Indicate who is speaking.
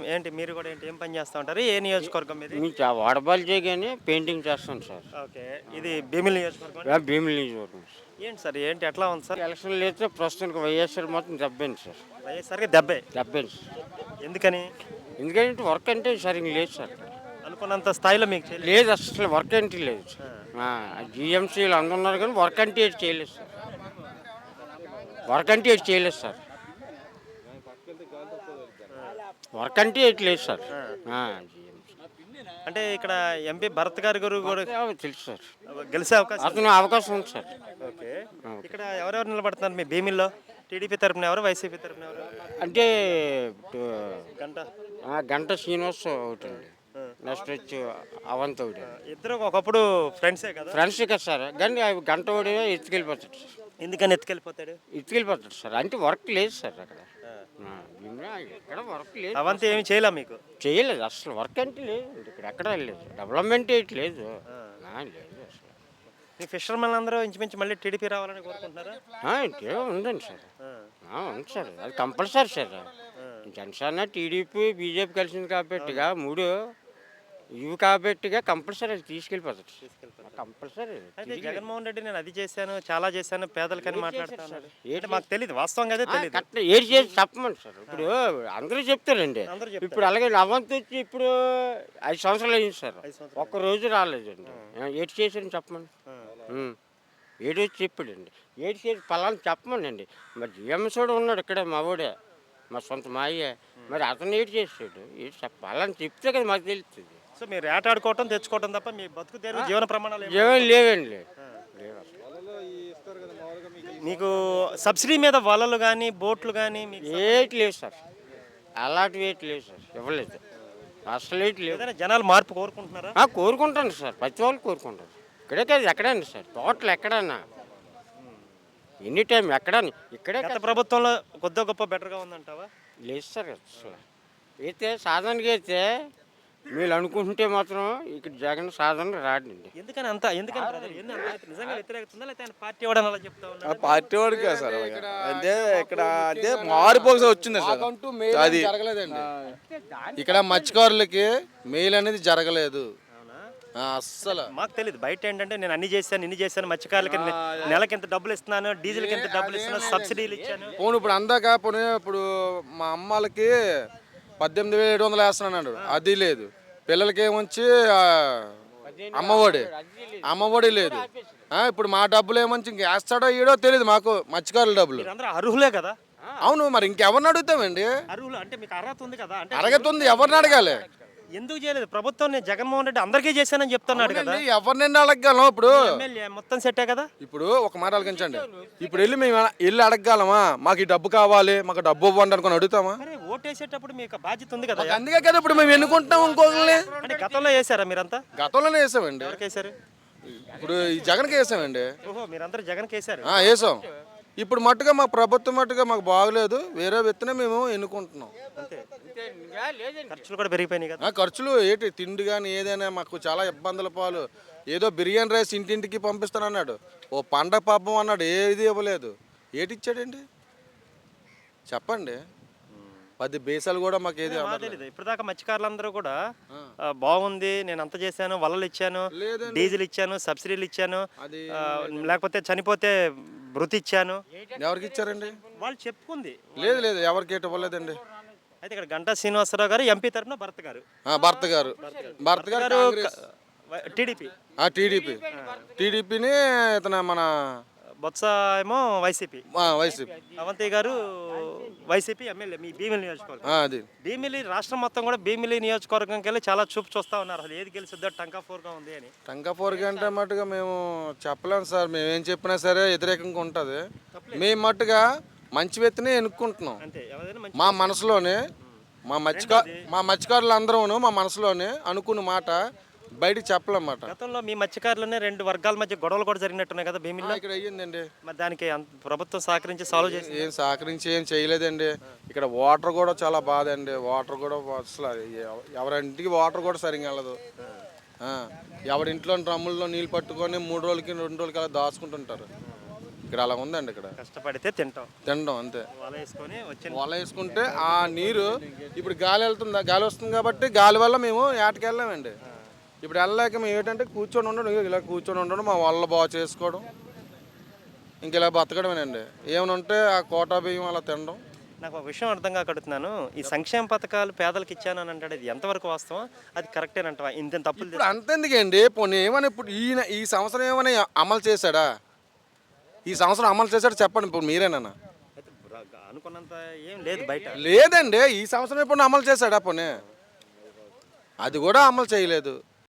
Speaker 1: ఏంటి మీరు కూడా ఏంటి ఏం పని చేస్తా ఉంటారు? ఏ నియోజకవర్గం మీది?
Speaker 2: మీకు వాడబాల్ చేయగానే పెయింటింగ్ చేస్తాను సార్.
Speaker 1: ఓకే. ఇది భీమిలి నియోజకవర్గం.
Speaker 2: భీమిలి నియోజకవర్గం సార్.
Speaker 1: ఏంటి సార్ ఏంటి ఎట్లా ఉంది సార్?
Speaker 2: ఎలక్షన్లు అయితే ప్రస్తుతానికి వైఎస్ఆర్ మొత్తం దెబ్బైంది సార్.
Speaker 1: వైఎస్ఆర్కి దెబ్బే.
Speaker 2: దెబ్బైంది సార్.
Speaker 1: ఎందుకని?
Speaker 2: ఎందుకంటే వర్క్ అంటే సరిగ్గా లేదు సార్.
Speaker 1: అనుకున్నంత స్థాయిలో మీకు చేయలేదు.
Speaker 2: లేదు అసలు వర్క్ అంటే లేదు సార్. జిఎంసీలు అందున్నారు కానీ వర్క్ అంటే ఏది చేయలేదు సార్. వర్క్ అంటే ఏది చేయలేదు సార్. వర్క్ అంటే ఏది లేదు సార్.
Speaker 1: అంటే ఇక్కడ ఎంపీ భరత్ గారి గురు కూడా
Speaker 2: తెలుసు సార్.
Speaker 1: గెలిచే అవకాశం
Speaker 2: అతను అవకాశం ఉంది సార్.
Speaker 1: ఓకే. ఇక్కడ ఎవరెవరు నిలబడుతున్నారు మీ భీమిల్లో? టీడీపీ తరపున ఎవరు, వైసీపీ తరపున ఎవరు?
Speaker 2: అంటే
Speaker 1: గంట
Speaker 2: గంట శ్రీనివాస్ ఒకటి అండి. నెక్స్ట్ వచ్చి అవంతి ఒకటి.
Speaker 1: ఇద్దరు ఒకప్పుడు ఫ్రెండ్సే కదా?
Speaker 2: ఫ్రెండ్స్ కదా సార్. కానీ గంట ఒకటి ఎత్తుకెళ్ళిపోతాడు సార్.
Speaker 1: ఎందుకని ఎత్తుకెళ్ళిపోతాడు?
Speaker 2: ఎత్తుకెళ్ళిపోతాడు సార్. అంటే వర్క్ లేదు సార్ అక్కడ. ఎక్కడ వర్క్ లేదు.
Speaker 1: అవంతి ఏమి చేయలే మీకు?
Speaker 2: చేయలేదు అసలు. వర్క్ అంటే లేదు ఇక్కడ. ఎక్కడ లేదు. డెవలప్మెంట్ ఏంటి లేదు. లేదు అసలు.
Speaker 1: మీ ఫిషర్మెన్ అందరూ ఇంచుమించు మళ్ళీ టీడీపీ రావాలని కోరుకుంటున్నారా?
Speaker 2: ఉందండి సార్. ఉంది సార్. అది compulsory sir. Janasena TDP BJP కలిసింది కాబట్టిగా మూడు ఇవి కాబట్టిగా కంపల్సరీ అది తీసుకెళ్ళిపోతాడు. కంపల్సరీ.
Speaker 1: అయితే జగన్మోహన్ రెడ్డి నేను అది చేశాను చాలా చేశాను పేదలకని మాట్లాడుతున్నాడు. ఏంటి మాకు తెలియదు, వాస్తవంగా అదే తెలియదు.
Speaker 2: ఏది చేసి చెప్పమని సార్. ఇప్పుడు అందరూ చెప్తారండి. ఇప్పుడు అలాగే అవంతి వచ్చి ఇప్పుడు 5 సంవత్సరాలు అయింది సార్. ఒక్క రోజు రాలేదండి. ఏటి చేశారని చెప్పమని. ఏడు వచ్చి చెప్పాడండి. ఏడు చేసి పలానా చెప్పమనండి. మరి జిఎంఎస్ కూడా ఉన్నాడు ఇక్కడ మా ఊడే, మా సొంత మా అయ్యే. మరి అతను ఏడు చేసాడు. ఏడు చెప్పాలని చెప్తే కదా మాకు తెలుస్తుంది.
Speaker 1: సో మీరు ఏటాడుకోవటం తెచ్చుకోవటం తప్ప మీ బతుకు తెరువు జీవన ప్రమాణాలు
Speaker 2: ఏమీ లేవండి.
Speaker 1: మీకు సబ్సిడీ మీద వలలు కానీ బోట్లు కానీ
Speaker 2: ఏటి లేవు సార్. అలాంటివి ఏటి లేవు సార్. ఇవ్వలేదు అసలు. ఏటి లేవు.
Speaker 1: జనాలు మార్పు కోరుకుంటున్నారా?
Speaker 2: కోరుకుంటాను సార్. ప్రతి వాళ్ళు కోరుకుంటారు. ఇక్కడే కాదు ఎక్కడండి సార్. టోటల్ ఎక్కడన్నా ఎనీ టైం ఎక్కడని ఇక్కడే.
Speaker 1: గత ప్రభుత్వంలో కొద్ది గొప్ప బెటర్గా ఉందంటావా? లేదు
Speaker 2: సార్ అసలు. అయితే సాధారణంగా అయితే మీరు అనుకుంటుంటే మాత్రం ఇక్కడ జగన్ సాధారణ రాడండి.
Speaker 1: ఎందుకని అంత నిజంగా వ్యతిరేకత ఉందా లేకపోతే పార్టీ వాడు అలా చెప్తా ఉన్నా?
Speaker 3: పార్టీ వాడికి కాదు సార్. అంటే ఇక్కడ అంటే మారిపోక వచ్చింది సార్. అది ఇక్కడ మత్స్యకారులకి మెయిల్ అనేది జరగలేదు అస్సలు.
Speaker 1: మాకు తెలియదు బయట ఏంటంటే నేను అన్ని చేశాను ఇన్ని చేశాను, మత్స్యకారులకి నెలకి ఎంత డబ్బులు ఇస్తున్నాను, డీజిల్కి ఎంత డబ్బులు ఇస్తున్నాను, సబ్సిడీలు ఇచ్చాను.
Speaker 3: పోను ఇప్పుడు అందాక పోనీ ఇప్పుడు మా అమ్మాలకి 18,700 వేస్తున్నాడు. అది లేదు. పిల్లలకి ఏమొచ్చి అమ్మఒడి లేదు. ఇప్పుడు మా డబ్బులు ఏమొచ్చి ఇంక వేస్తాడో ఈడో తెలియదు మాకు. మత్స్యకారుల డబ్బులు
Speaker 1: అర్హులే కదా?
Speaker 3: అవును. మరి ఇంకెవరిని అడుగుతామండి?
Speaker 1: అర్హులు అంటే మీకు అర్హత ఉంది కదా?
Speaker 3: అర్హత ఉంది. ఎవరిని అడగాలి?
Speaker 1: ఎందుకు చేయలేదు ప్రభుత్వం? నేను జగన్మోహన్ రెడ్డి అందరికీ చేశానని చెప్తున్నాడు కదా.
Speaker 3: ఎవరినైనా అడగగలం? ఇప్పుడు
Speaker 1: మొత్తం సెట్టే కదా.
Speaker 3: ఇప్పుడు ఒక మాట ఆలోచించండి. ఇప్పుడు మేము వెళ్ళి అడగగలమా? మాకు ఈ డబ్బు కావాలి, మాకు డబ్బు ఇవ్వండి అనుకుని అడుగుతామా?
Speaker 1: ఓటేసేటప్పుడు మీకు బాధ్యత ఉంది కదా.
Speaker 3: అందుకే కదా ఇప్పుడు మేము ఎన్నుకుంటాం ఇంకొకరిని.
Speaker 1: అంటే గతంలో వేసారా మీరంతా?
Speaker 3: గతంలోనే వేసామండి.
Speaker 1: ఎవరికి వేసారు?
Speaker 3: ఇప్పుడు ఈ జగన్కి వేసామండి.
Speaker 1: ఓహో, మీరందరూ జగన్కి వేసారు?
Speaker 3: వేసాం. ఇప్పుడు మట్టుగా మా ప్రభుత్వం మట్టుగా మాకు బాగలేదు. వేరే వ్యక్తినే మేము ఎన్నుకుంటున్నాం.
Speaker 1: ఖర్చులు కూడా పెరిగిపోయినాయి కదా.
Speaker 3: ఖర్చులు ఏంటి తిండి కానీ ఏదైనా మాకు చాలా ఇబ్బందుల పాలు. ఏదో బిర్యానీ రైస్ ఇంటింటికి పంపిస్తానన్నాడు. ఓ పండగ పాపం అన్నాడు. ఏది ఇవ్వలేదు. ఏటి ఇచ్చాడండి చెప్పండి. 10 బేసాలు కూడా మాకు ఏది
Speaker 1: తెలియదు. ఇప్పటిదాకా మత్స్యకారులందరూ కూడా బాగుంది, నేను అంత చేశాను, వలలు ఇచ్చాను, డీజిల్ ఇచ్చాను, సబ్సిడీలు ఇచ్చాను, లేకపోతే చనిపోతే భృతి ఇచ్చాను.
Speaker 3: ఎవరికి ఇచ్చారండి?
Speaker 1: వాళ్ళు చెప్పుకుంది.
Speaker 3: లేదు లేదు ఎవరికి ఇవ్వలేదండి.
Speaker 1: అయితే ఇక్కడ గంటా శ్రీనివాసరావు గారు ఎంపీ తరఫున
Speaker 3: భర్త గారు టీడీపీని ఇతను మన
Speaker 1: బొత్స ఏమో వైసీపీ. అవంతి గారు వైసీపీ ఎమ్మెల్యే మీ భీమిలి నియోజకవర్గం. భీమిలి రాష్ట్రం మొత్తం కూడా భీమిలి నియోజకవర్గంకి వెళ్ళి చాలా చూపు చూస్తా ఉన్నారు. అసలు ఏది గెలిచిద్దో టంకాఫోర్గా ఉంది అని.
Speaker 3: టంకాఫోర్గా అంటే మట్టుగా మేము చెప్పలేము సార్. మేమేం చెప్పినా సరే వ్యతిరేకంగా ఉంటుంది. మేము మట్టుగా మంచి వ్యక్తిని ఎన్నుకుంటున్నాం. మా మనసులోనే మా మత్స్యకారులు అందరూ మా మనసులోనే అనుకున్న మాట బయటకు చెప్పలేమాట.
Speaker 1: గతంలో మీ మత్స్యకారులనే 2 వర్గాల మధ్య గొడవలు కూడా జరిగినట్టున్నాయి కదా భీమిలో.
Speaker 3: ఇక్కడ అయ్యిందండి.
Speaker 1: మరి దానికి ప్రభుత్వం సహకరించి సాల్వ్ చేసి
Speaker 3: ఏం చేయలేదండి. ఇక్కడ వాటర్ కూడా చాలా బాధ అండి. వాటర్ కూడా అసలు ఎవరింటికి వాటర్ కూడా సరిగ్గా వెళ్ళదు. ఎవరింట్లో డ్రమ్ముల్లో నీళ్ళు పట్టుకొని 3 రోజులకి 2 రోజులకి అలా దాచుకుంటుంటారు. ఇక్కడ అలా ఉందండి. ఇక్కడ
Speaker 1: కష్టపడితే తినడం
Speaker 3: అంతే.
Speaker 1: వల వేసుకొని
Speaker 3: వల వేసుకుంటే ఆ నీరు ఇప్పుడు గాలి వెళ్తుందా, గాలి వస్తుంది కాబట్టి గాలి వల్ల మేము ఏటకి వెళ్ళామండి. ఇప్పుడు వెళ్ళలేక మేము ఏంటంటే కూర్చొని ఉండడం, ఇలా కూర్చొని ఉండడం, మా వల్ల బాగా చేసుకోవడం, ఇంక ఇలా బతకడమేనండి. ఏమైనా ఉంటే ఆ కోటా బియ్యం అలా తినడం.
Speaker 1: నాకు ఒక విషయం అర్థం కాకడుతున్నాను. ఈ సంక్షేమ పథకాలు పేదలకు ఇచ్చాను అని అంటాడు, ఇది ఎంతవరకు వాస్తవం? అది కరెక్టేనంటవా? ఇంత తప్పులు
Speaker 3: ఇప్పుడు అంతెందుకండి, పోనీ ఏమైనా ఇప్పుడు ఈ సంవత్సరం ఏమైనా అమలు చేశాడా? ఈ సంవత్సరం అమలు చేశాడు చెప్పండి ఇప్పుడు మీరేనా?
Speaker 1: అనుకున్నంత ఏం లేదు బయట.
Speaker 3: లేదండి, ఈ సంవత్సరం ఎప్పుడు అమలు చేశాడా? పోనీ అది కూడా అమలు చేయలేదు.